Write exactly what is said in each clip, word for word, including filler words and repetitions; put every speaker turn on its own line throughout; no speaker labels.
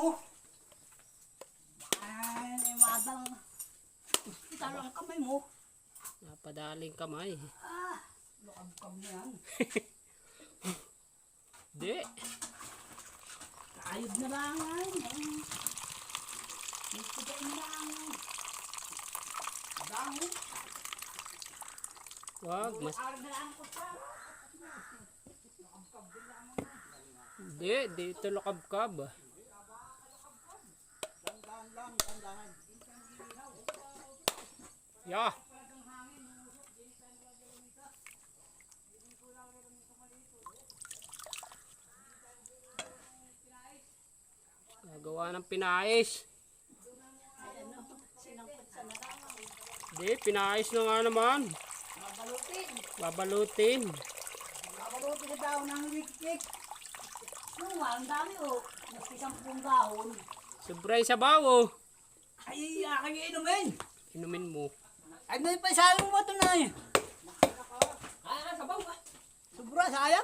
mo. Ay, madang. Hospital ang kamay mo.
Napadaling kamay.
Ah, lukab-kab na yan.
Di.
Ayod na lang ay. Nagsigain na lang. Dami.
Wag, mas...
Argalaan ko pa.
Di, dito lakab-kab.
Dandahan lang, dandahan.
Ya. Gagawa ng pinais. Di, pinais na nga naman.
Babalutin.
Babalutin.
Babalutin na daw ng wik-wik. Yung ang dami o. Mas isang pong gahon.
Sobray sabaw oh.
Ay, aking inumin.
Inumin mo.
Ay, may paisalo mo ito na eh. Ay, sabaw ba? Sobra, sayang.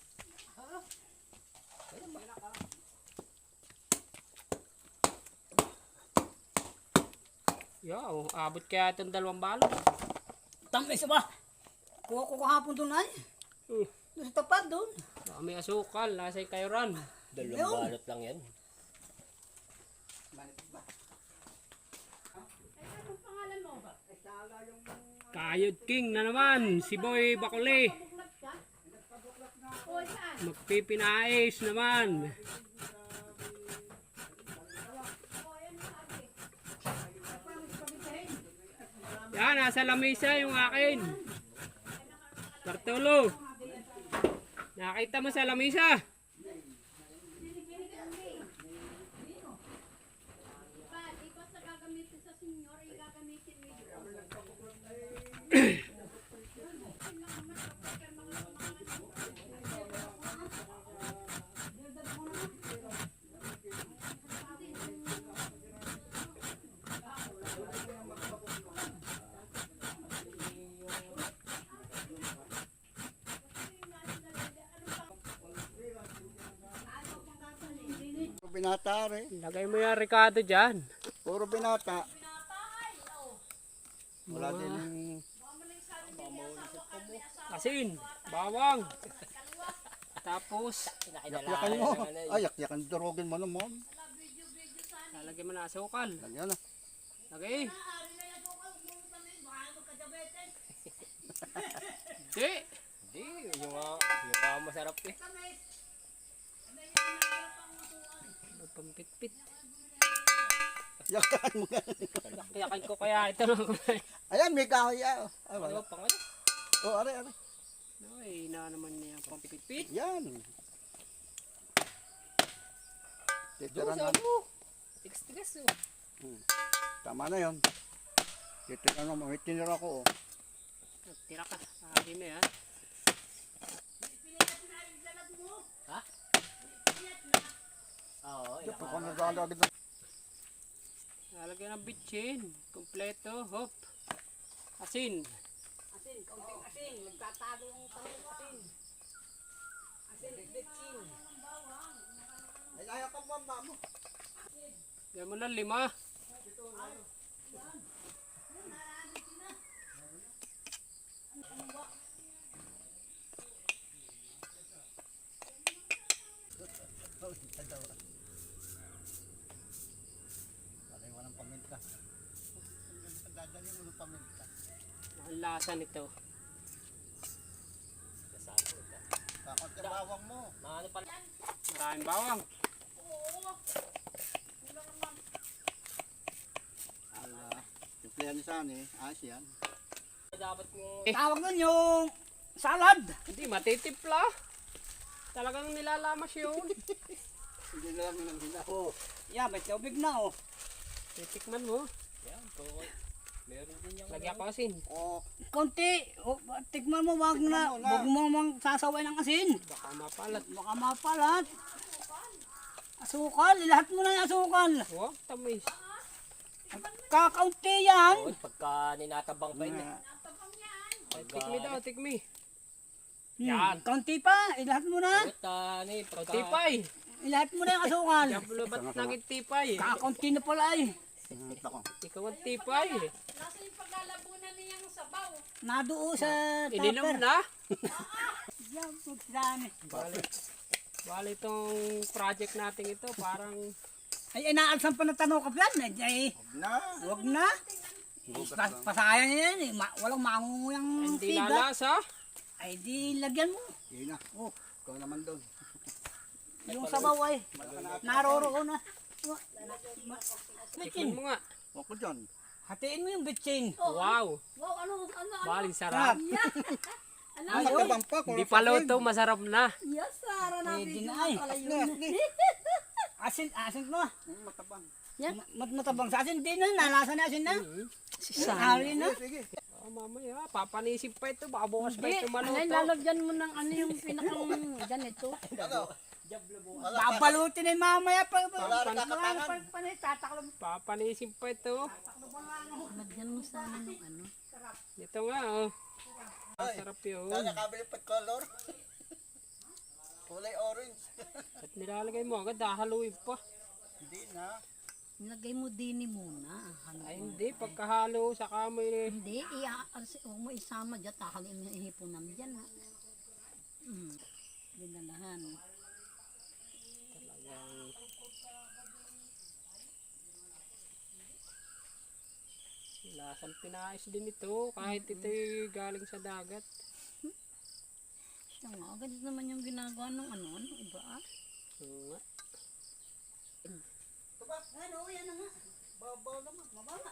Ya, oh, abot kaya itong dalawang balot.
Tamis ba? Kuha ko kahapon doon ay.
Uh,
Doon sa tapat doon.
baka may asukal, nasa kayuran.
Dalawang balot lang yan.
Kayod King na naman, si Boy Bakuli. Magpipinais naman. Yan, nasa lamesa yung akin. Bartolo. Nakita mo sa lamesa?
Binata rin.
Lagay mo yung Ricardo dyan.
Puro binata. Wala din yung
Asin, bawang. Tapos,
yakyakan mo. Ay, yakyakan durugin mo naman.
lalagyan mo na asukal.
Ganyan na.
Lagay. Di.
Hindi, yung mga, yung mga masarap eh.
Pampitpit.
Yakyakan mo nga.
Yakin ko kaya ito na.
Ayan, may kahoy. ah. Ay,
Ano
wala.
pang ano?
Oh, are, are.
Ay, na naman niya pampitpit.
Yan.
Doon
Titiran
sa
na.
ano? Tigas-tigas oh.
Hmm. Tama na yun. Titiran mo. May tinira ko. Oh.
Tira ka. Sabi mo yan.
Ha? Oo,
Ito
ilang
ko naglalagad na.
Lalagyan ng bitchin. Kompleto. Hop. Asin.
Asin, kaunting asin. Nagtatalo ang talong asin. Asin, bitchin.
Ay, ayaw ka mama mo.
Yan mo na lima.
Alay, walang paminta. Dadali mo ng paminta.
Ang lasa nito.
Kasama ito.
Takot ka bawang mo.
Mga ano pala?
Maraming bawang.
Ala, simplihan ni Sani. Ayos yan.
Dapat mo...
Tawag nun yung salad.
Hindi, matitipla. Talagang nilalamas yun.
Hindi na lang yung hila.
Oh, yeah, may tubig na oh.
Titikman mo.
Yan, kung... Meron din yung...
Lagyan ko asin.
Oh,
Konti, oh, tikman mo, wag na,
mo na.
wag mo mang sasaway ng asin.
Baka mapalat.
Baka mapalat. Asukal, lahat mo na yung asukal.
Huwag, tamis.
Kakaunti yan.
Oo, pagka ninatabang pa yun eh.
Ay, tikmi daw, tikmi.
Hmm,
Yan.
kaunti pa, ilahat mo na.
At uh, ano eh, pagka...
Kaunti pa eh.
Ilahat mo na yung asukal.
Diablo, ba't naging tipay?
Kakaunti na pala ay.
Ito ko.
Ikaw ang tipay.
Nasa yung paglalabunan niyang sabaw.
Naduo sa
Ininom
tupper.
na.
Yan, dami.
Bali. Bali itong project natin ito, parang
Ay, inaalsan pa na tanong ka plan. Ay, ay,
Na.
wag na. Pas, pasayang yan eh. Ma, walang mangunguyang
hindi
tiga.
lalasa.
Ay, di lagyan mo.
Yun na.
Oh,
Ikaw naman doon.
yung sabaw ay. Naroroon na.
Tikman
Bitchin.
mo nga.
Huwag ko dyan.
Hatiin mo yung bitchin.
Wow.
Wow, ano, ano, ano?
Bali sarap.
Ano?
Ay, matabang pa.
Hindi pa luto, masarap na.
Yes, Sara,
Pwede
nabigyan
na
mo
ay.
pala
Asli,
yun.
asli.
Asin, asin mo.
Hmm, matabang.
Yan.
Mat matabang sa asin. Di na, nalasa na asin na.
Si
Hari na.
Sige.
Oh, mamaya, papanisip pa ito. Baka bukas pa
Hindi,
ito
ano,
maluto.
lalagyan mo ng ano yung pinakang ganito.
Ano?
Babalutin na yung mamaya. Pag,
Wala rin
pag,
kakatangan.
pag, pag, tataklo mo.
Papanisip pa ito.
Lagyan mo sana ng ano.
Ito nga, oh. Masarap yun.
Sana nakabili pa color. Kulay orange.
At nilalagay mo agad, hahaluin pa.
Hindi na.
Nilagay mo dini muna. Ano?
Ay hindi, pagkahalo, saka mo yun.
Hindi, iya, huwag mo isama dyan. Takalin mo yung ihipunan dyan ha. Hmm. Dinalahan.
Lasang pinais din ito, kahit ito galing sa dagat.
Siya nga, ganito naman yung ginagawa ng ano, ano, iba ah.
Oo nga.
Ano, yan na nga.
Babaw naman.
Mababa.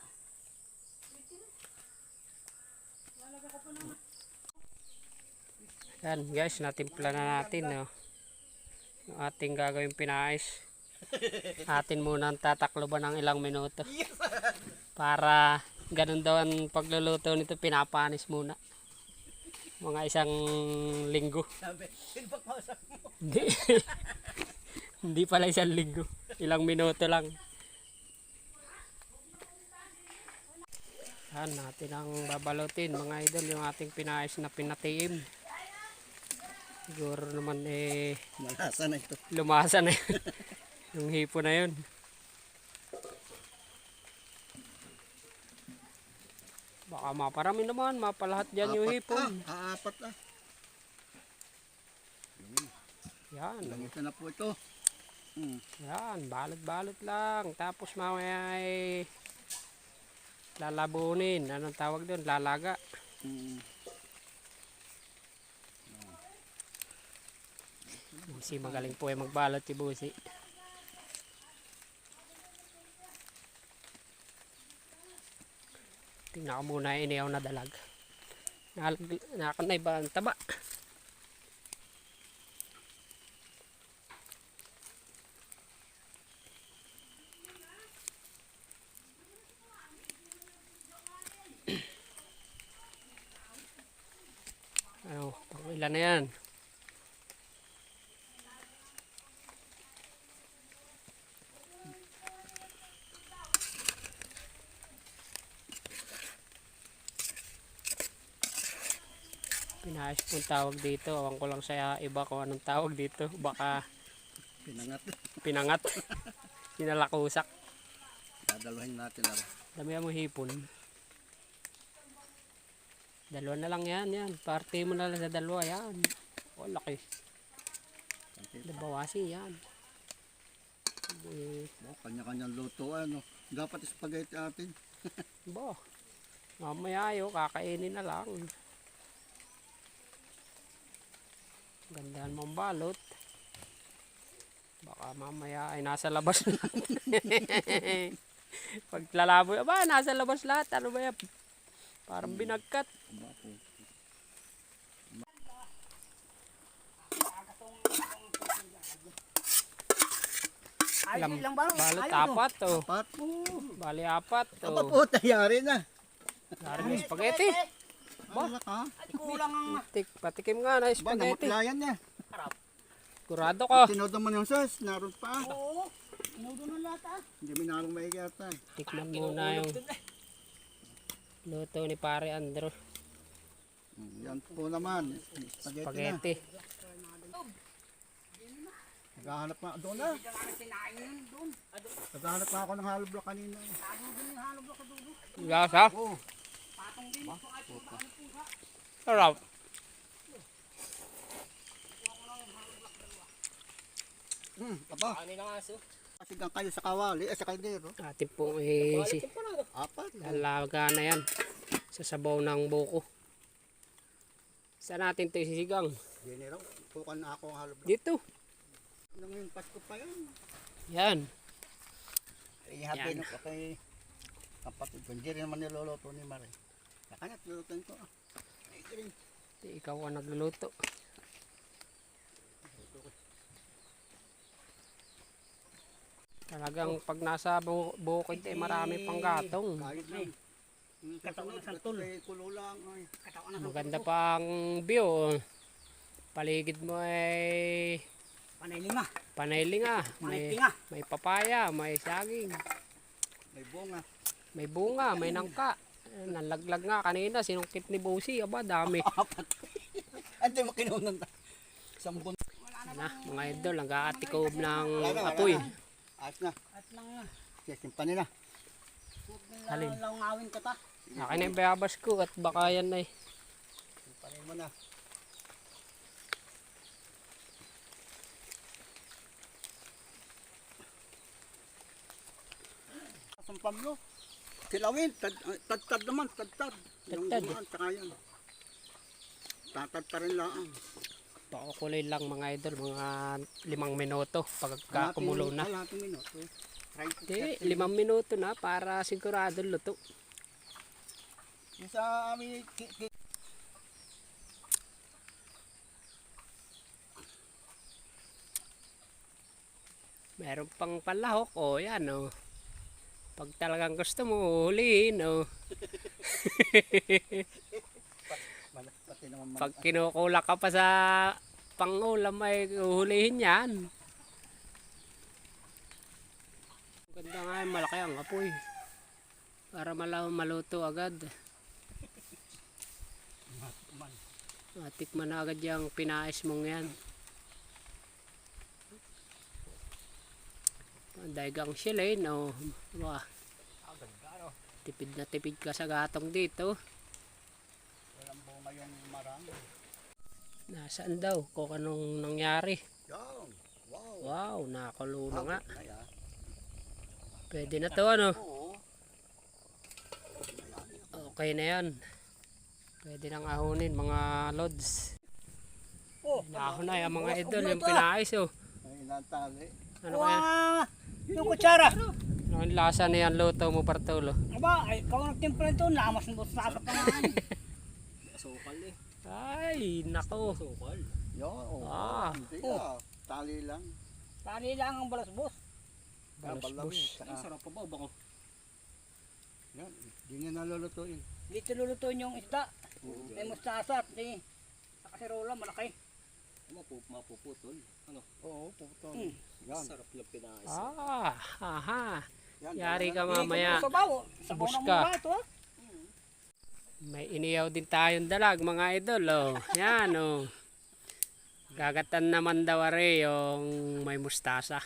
Yan guys, natimpla na natin, no. Yung ating gagawing pinais. Atin muna ang tatakloban ng ilang minuto. Para ganun daw ang pagluluto nito, pinapanis muna. Mga isang linggo.
Sabi, sino ba kausap mo?
Hindi. Hindi pala isang linggo. Ilang minuto lang. Yan, natin ang babalutin mga idol, yung ating pinais na pinatiim. Siguro naman eh
Malasa na ito.
lumasa na yun. Yung hipo na yun. Baka maparami naman, mapalahat dyan yung hipon.
Ah, aapat ah.
Yan,
Ganito na po ito. Hmm.
yan, balot-balot lang. Tapos mamaya ay lalabunin. Anong tawag doon? Lalaga.
Hmm.
Busi magaling po ay magbalot si Busi. Tingnan ko muna yung iniyaw na dalag. Nakanay ba ang taba? Ano, pang ilan na yan? Pinayos pong tawag dito. Awan ko lang sa iba kung anong tawag dito. Baka
Pinangat.
pinangat. Sinalakusak.
Dadalhin natin ah.
Dami mo hipon. Dalawa na lang yan. Yan. Parte mo na lang sa dalawa. Yan. O, laki. Nabawasi yan. Eh,
Oh, kanya-kanyang luto ano. Dapat spaghetti atin.
Bo. Mamaya ayo, kakainin na lang. Gandaan mong balot. Baka mamaya ay nasa labas na. Pag lalaboy, aba, nasa labas lahat. Ano ba yan? Parang binagkat.
Bapo.
Ay,
Lam-
lang ba?
Balot
Ayun, oh.
apat to.
Apat.
Bali apat to.
Aba po, tayari na.
Dari na spaghetti.
Ba? Ha?
Ay, kulang ang...
Tik, patikim nga na
Ba,
spaghetti.
namutlayan niya.
Kurado ka.
Tinodo mo yung sauce, naroon pa.
Oo. Inudo na lahat ah.
Hindi mo narong maigata.
Tikman muna yung luto ni Pare Andrew.
Hmm, yan po naman. Spaghetti,
Spaghetti.
na. Naghahanap na, doon na.
Diyan kami sinain yun doon.
Naghahanap na ako ng hollow block kanina.
Lalo doon yung halog ako doon.
Lasa.
Oo.
Patong din. So ay puta ano pusa.
Sarap.
Hmm, aba.
Ano ng aso?
Kasi gang kayo sa kawali, eh sa kaldero.
Atin pong eh, si,
Quality pa lang.
Apat.
lalaga na yan. Sa sabaw ng buko. Saan natin ito isisigang?
General, pukan na ako ang hollow block.
Dito.
Nung yung Pasko pa yan.
Yan.
Ihabi
Yan.
nung pa kay kapatid ko. Hindi rin naman niloloto ni Mare. Nakanat, lulutuin ko. ah. Ay, galing.
Ikaw ang nagluluto. Talagang pag nasa bu bukid eh marami pang gatong.
Kahit lang. Yung
Katawan ng
kasunod,
santol.
kay kulo lang. Ay.
Katawan na
Maganda pang view. Paligid mo ay
panay lima.
panayling ah.
Panay
May,
tinga.
may papaya, may saging,
May bunga.
may bunga, may nangka. Eh, Nalaglag nga kanina, sinungkit ni Bossy. Aba, dami.
Ante mo kinunan na. Isang bun.
Na, mga idol, nag-aatikob ng apoy.
Ayos na.
At nang nga.
Siya simpanin na.
Alin?
Langawin ka ta.
Akin na yung bayabas ko at baka yan ay.
Simpanin mo na. San Pablo. Kilawin. Tad- Tad-tad naman. Tad-tad. Yung
Tad-tad.
gumaan, tsaka yan. Tatad pa rin lang.
Pakukulay lang mga idol, mga limang minuto pagka kumulo na.
Kalating minuto. Try to
Hindi,
thirty
limang minuto na para sigurado luto.
Yung sa amin, ki- ki-
Meron pang palahok, o yan o. Pag talagang gusto mo, huliin o.
Mal- pati naman mga
Pag kinukula ka pa sa pangulam ay huhulihin yan. Ganda nga yung malaki ang apoy. Para malaw maluto agad. Matikman na agad yung pinais mong yan. Daigang silay, no? Wah, tipid na tipid ka sa gatong dito.
walang bunga yung marang.
Nasaan daw? Kung anong nangyari.
Yan. Wow.
Wow, nakakulo na nga.
Ay, ah.
Pwede na to, ano?
Oo.
Okay na yan. Pwede nang ahunin, mga lods.
Oh,
Nahon na yung mga idol, yung pinais, oh.
Ay, natali.
Ano kaya?
Wah! Yung kutsara.
Ano yung lasa na yan, luto mo, Bartolo?
Aba, ay, ikaw nagtimpla ito. Lamas ng boss sa pangalan.
Asukal eh.
Ay, nako.
Asukal.
Yo, oh.
Ah.
Hindi
Oh.
ah. Tali lang.
Tali lang ang balas boss.
Balos-bus.
Ang sarap pa ba? Bako.
Yan. Hindi niya nalulutuin.
Dito lulutuin yung isda. May mustasa at eh. Sa kaserola, malaki.
Mapup, mapuputol. Ano?
Oo, puto.
Hmm.
Yan.
Sarap lang pinais.
Ah, aha.
Yan.
Yari ka
Dito
mamaya.
Sa bawo. Sa bawo
Bus
ng
ka.
mura ito ah.
May iniyaw din tayong dalag, mga idol, oh. Yan, oh. Gagatan naman daw are yung may mustasa.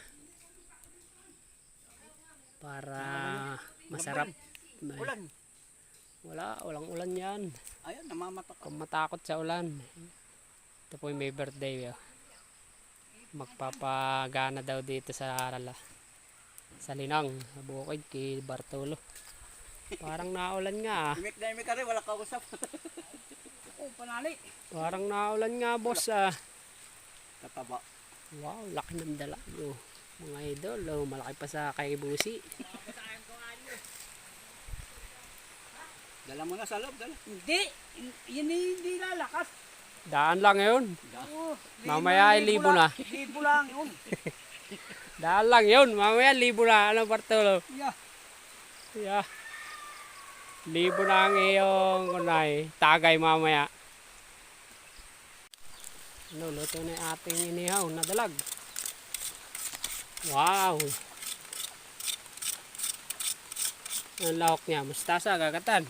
Para masarap. May-
Ulan.
Wala, walang ulan yan.
Ayan, namamatak.
Kung matakot sa ulan. Ito po yung may birthday. Oh. Magpapagana daw dito sa Arala. Sa Linang, sa bukid kay Bartolo. Parang naulan nga. ah.
Imik na imik ka rin, wala kausap.
Oh, panali.
Parang naulan nga, boss. Ah.
Kataba.
Wow, laki ng dala. Oh, mga idol, oh, malaki pa sa kay Busi.
Dala mo na sa loob, dala.
Hindi. Yan hindi lalakas.
Daan lang yun.
Oh,
Mamaya ay libo na.
Libo lang yun.
Daan lang yun. Mamaya libo na. Ano, Bartolo?
Yeah.
Yeah. Libo na ang iyong kunay. Tagay mamaya. Ano, luto na yung ating inihaw na dalag. Wow. Ang lahok niya. Mustasa, gagatan.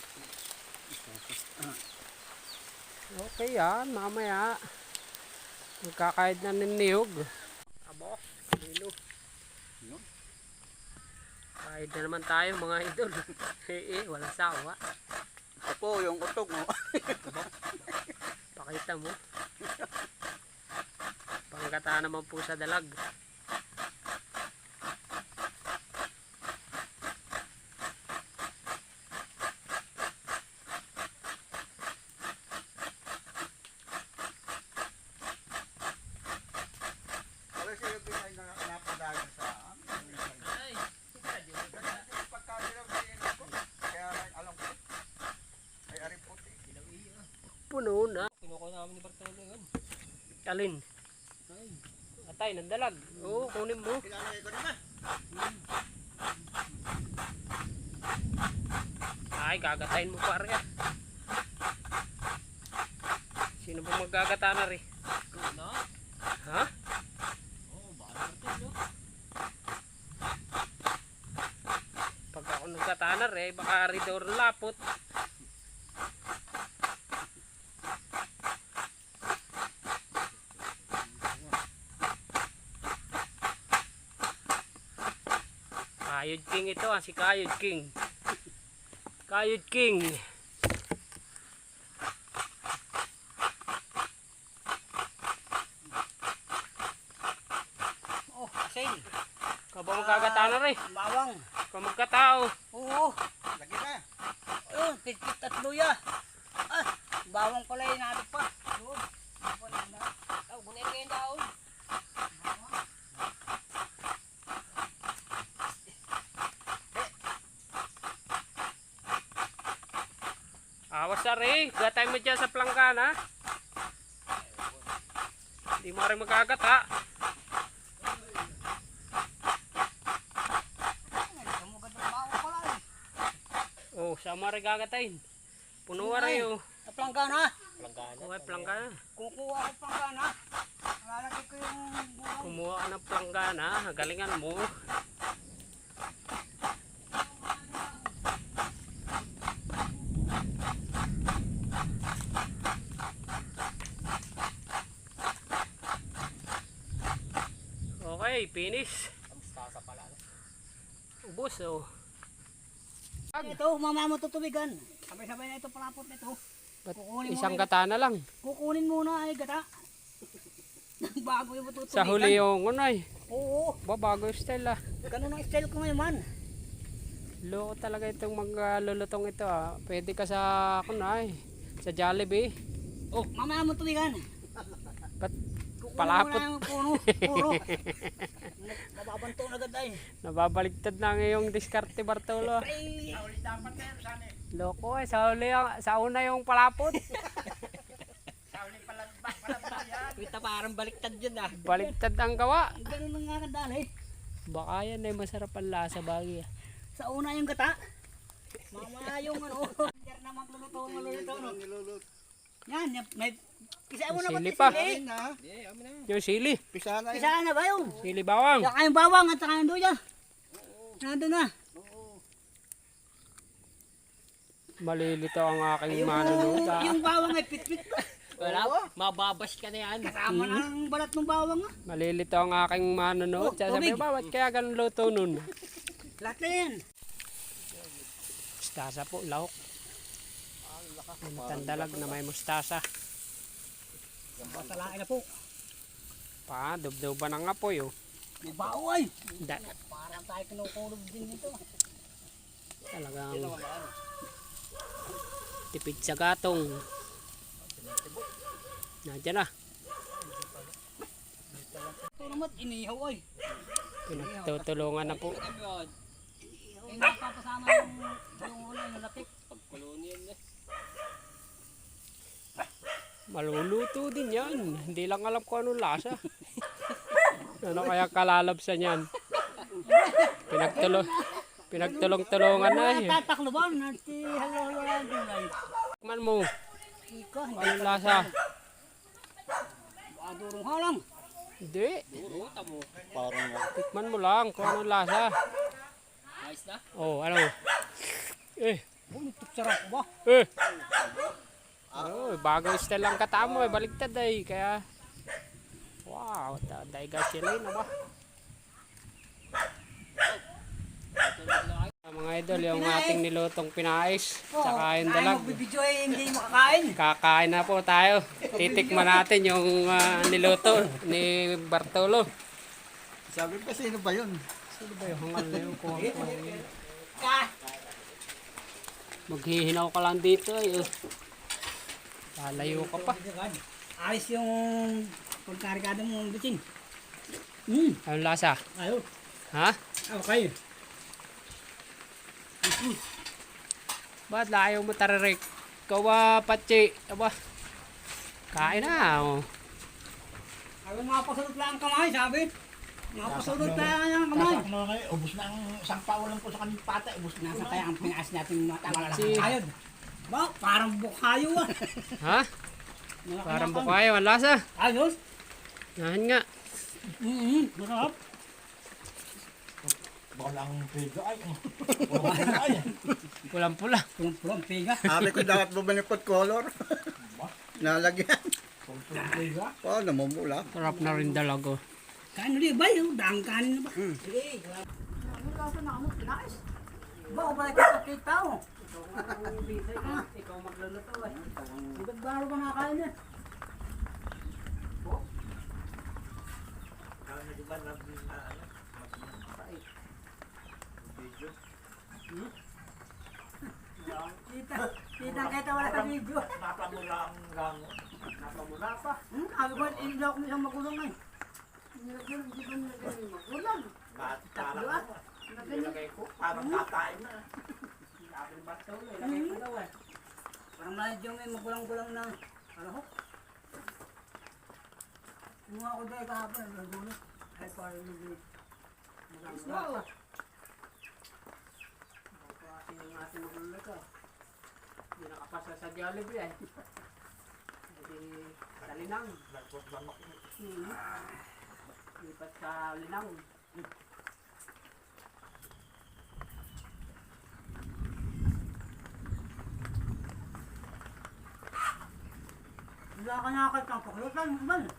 Okay yan, mamaya. Magkakahid na ng niyog. Abo, lilo.
Yun.
Kahid na naman tayo mga idol. Eh, eh, walang sawa.
Ito po yung utog mo.
Pakita mo. Panggata naman po sa dalag.
Pero siya yung ay napadagan sa amin. Pagkadilaw sa inyo ko. Kaya alam ko. Ay ari puti.
Puno na.
Kinukuha namin ni Bartolo yun.
Alin?
Ay,
Atay, ng dalag. Oo, kunin mo.
Kinalagay ko naman.
Ay, gagatayin mo pare ah. Sino ba maggagata na rin?
na?
Ha?
Oo, baka Bartolo.
Pag ako nagkata na rin, baka ridor lapot. Kayod King ito ah, si Kayod King. Kayod King.
Oh, asin.
Kaba magkagata na rin.
Bawang.
Kung magkatao.
Oo.
Lagi na.
Ayun, pitkit at luya. Ah, bawang pala yung natin pa. Yun. Wala na. Oh, gunay kayo yung daon.
Awas na rin. Gatay mo dyan sa planggana. Hindi mo rin magkagata.
Sumugad ng bawang pala eh.
Oh, sama rin gagatayin. Puno rin oh.
Sa planggana.
Planggana.
Oh, ay planggana.
Kukuha ko planggana. Lalagay ko yung buwang.
Kumuha ka ng planggana. Galingan mo. Okay, finish.
Ang mustasa pala. no?
Ubos oh.
Ito, mamaya mo tutubigan. Sabay-sabay na ito palapot na ito.
Ba't
Kukunin mo
isang
na-
gata na lang.
Kukunin muna ay gata. Bago yung tutubigan.
Sa huli yung unay.
Oo.
Ba, bago yung style ah.
Ganun ang style ko ngayon man.
Loko talaga itong maglulutong ito ah. Pwede ka sa kunay. Sa Jollibee.
Oh, mamaya mo tubigan.
Ba't
Kukunin
palapot?
mo na yung puno. Puro. Mababanto na agad ay.
Nababaligtad na ngayong diskarte Bartolo.
Ay,
Loko eh. Sa huli, ang- sa una yung palapot.
Kita parang baliktad yun ah.
Baligtad ang gawa.
ganun lang nga kadali.
Baka yan ay masarap ang lasa bagay ah.
Sa una yung gata. Mamaya yung ano. Diyan na magluluto, magluluto. No?
Nilulut.
Yan, yan, may kisa mo na ba?
Sili pa.
Ayun na.
Hindi, amin na.
Yung sili.
Pisa na yun.
Kisa na ba yung?
Sili bawang.
Saka yung bawang at saka yung duya. Nandun na.
Malilito ang aking manunod ah.
Yung bawang ay pitpit pa.
Wala, mababas ka na yan.
Kasama na ang balat ng bawang. Ah.
Malilito ang aking manunod.
Oh,
Sasabi,
tubig.
ba, ba't kaya ganun luto nun?
Lahat na yan.
Mustasa po, lahok. Tandalag na may mustasa.
Pasalain na po.
Pa, dubduban ang apoy oh.
May bao ay.
Da,
Parang tayo kinukulog din nito.
talagang tipid sa gatong. Nandiyan na.
Ito naman, inihaw ay.
Pinagtutulungan na po.
Yun,
Eh, napapasama yung yung ulo, yung lapik.
pagkolonial na.
Maluluto din yan. Hindi lang alam ko anong lasa. Ano kaya kalalabsan yan? Pinagtulo, pinagtulong-tulungan na eh.
Tataklo ba? Nati halo-halo lang gulay.
Tikman mo.
Ika, hindi.
Anong lasa?
Adurong halang.
Hindi.
Duro, tamo.
Parang
Tikman mo lang kung anong lasa.
Ayos na.
Oh, ano? Eh,
Oh, ito sarap ba?
eh. Oh, bago style lang katamo eh. Baligtad eh. Kaya Wow, daiga sila na ba? Mga idol, yung ating nilutong pinais, tsaka yung dalag.
Magbibidyo eh, hindi makakain.
Kakain na po tayo. Titikman natin yung ah, niluto ni Bartolo.
Sabi pa, sino ba yun?
Sino ba yung hangal na yung kuha ko?
Ka.
Maghihinaw ka lang dito ay. Oh. Lalayo ka pa.
Ayos yung pagkarikado mo bitin. Hmm,
Anong lasa?
ayos.
Ha?
Okay.
Ba't layo mo tararik? Ikaw ba, Pachi? Aba. Kain na. Oh.
Ako mga pasulot lang ang kamay, sabi. Mga pasulot lang ang kamay.
Kasak mo ngayon, ubus na ang isang pawalan ko sa kanil pata. Ubus na
Nasa kaya ang pinaas natin mga tawala
Si-
lang kayod. Ba, parang bukhayo ah.
Ha? Parang bukayo. Ang lasa.
Ayos.
Nahan nga.
Mm-hmm. Masarap.
Walang pega ay. Walang ay.
Pulang-pula.
Pulang-pulang pega.
Sabi ko dapat bumalik pot color. Nalagyan.
Pega.
Oh, namumula.
Sarap na rin dalago.
Kain ulit ba yun? Daang kanin na ba? Sige.
Ano lang sa nakamot, pinais?
Ba, o balik ka kay tao.
Ikaw magluluto eh.
Ba't baro ka nakakain eh? Kita, kita kita wala sa video.
Napamula ang gango.
Napamula pa. Hmm, sabi ko, ilaw ko isang magulong eh.
Nilagyan, hindi ko nilagyan yung magulang.
Tatlo ah.
Nilagay ko, parang kakain na.
Sabi ni Bartolo, ilagay ko daw eh.
Parang medyo may magulang-gulang na. Ano ho? Mga ko dahil kahapon, nagulo. Ay, parang medyo magulang-gulang pa.
Kasi yung ating magluluto. Hindi nakapasa sa Jollibee eh. Hindi sa Linang. Hmm. Lipat sa Linang.
Wala ka nakakal kang pakulutan mo ba?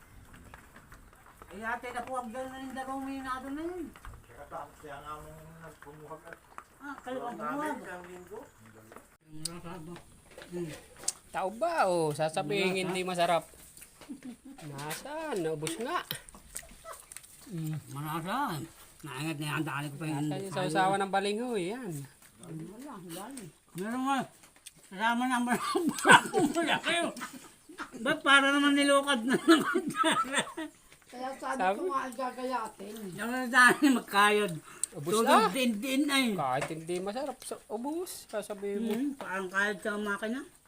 Ay ate na po ang gano'n na yung dalawang minado na yun.
Kaya nga mong nagpumuhag at
Ah, kalawang buwag.
linggo.
Tao ba o? Sasabihin hindi masarap. Nasaan? Naubos nga.
Manasan. Naangat na yan, dali ko pa yung...
Nasaan yung sausawan ng balinghoy? Yan.
Wala, dali. Meron nga. Kasama naman ang bako mo na kayo. Ba't para naman nilukad na naman?
Kaya sabi,
Sabi?
ko nga ang gagayatin.
Yung na dali magkayod.
Ubus
Tulog
na.
din din ay.
Kahit hindi masarap, sa ubus. Sasabihin mo.
Hmm, parang kayod sa makina.